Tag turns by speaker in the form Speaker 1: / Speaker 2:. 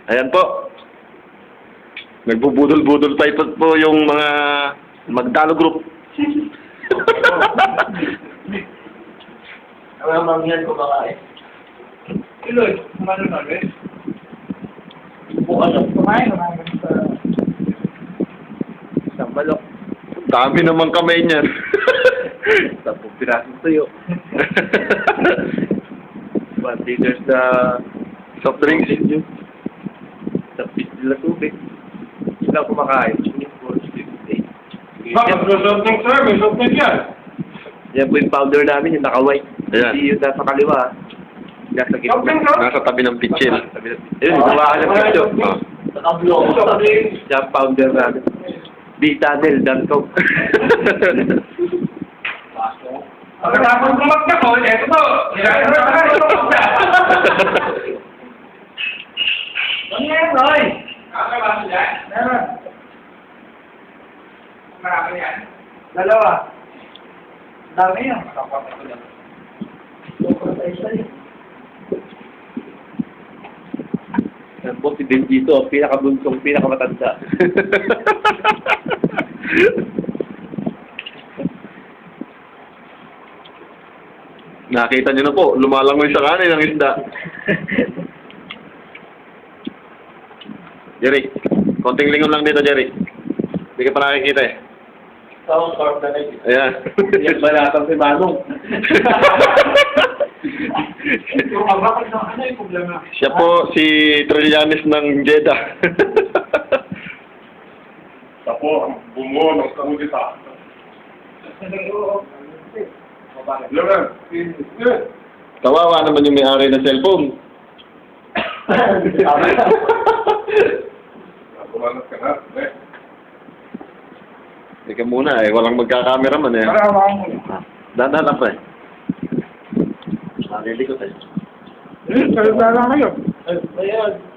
Speaker 1: Ayan po. Nagbubudol-budol pa ito po yung mga Magdalo Group.
Speaker 2: Ang mangyan ko baka
Speaker 3: Iloy, kumano na rin?
Speaker 2: Bukas
Speaker 3: Kumain sa balok.
Speaker 1: Dami naman kamay niyan.
Speaker 2: 10 pirasong tuyo. 1 liters na
Speaker 1: Soft drinks.
Speaker 2: tapis nila tubig. Sila kumakain.
Speaker 3: Bakit? May something, sir. May something yan.
Speaker 2: Yan po yung powder namin, yung naka-white.
Speaker 1: Ayan.
Speaker 2: Hindi yung nasa kaliwa. Nasa
Speaker 3: Something,
Speaker 2: gitna.
Speaker 3: sir.
Speaker 1: Nasa tabi ng pitchin.
Speaker 2: Ayun, gawa ka ng picture.
Speaker 3: Something.
Speaker 2: Siya ang powder namin. B-Tunnel, Danco.
Speaker 3: Pagkatapos kumagka ko, eto to. Ito na. Ano yan, Roy? Kakabasa dyan? Meron. Marami yan? Dalawa. Dami yan. Makapapit ko lang.
Speaker 2: Yan po si Benjito, pinakabunsong, pinakamatanda.
Speaker 1: Nakita niyo na po, lumalangoy sa kanin ang isda. Jerry, konting lingon lang dito, Jerry. Hindi ka pa nakikita eh.
Speaker 2: Saan ang na rin?
Speaker 1: Ayan.
Speaker 2: Yan ba natang si Manong?
Speaker 3: Yung abakal ng ano yung problema?
Speaker 1: Siya po si Trillanes ng Jeddah.
Speaker 4: Siya po ang bumuo ng kudita. Loren,
Speaker 1: Kawawa naman yung may-ari ng cellphone.
Speaker 4: kumalas ka na.
Speaker 1: Teka muna eh, walang magkakameraman eh.
Speaker 3: Para hawakan mo.
Speaker 1: Dahan lang pa eh. Nalilikot eh.
Speaker 3: Salita lang kayo.
Speaker 2: Ayan.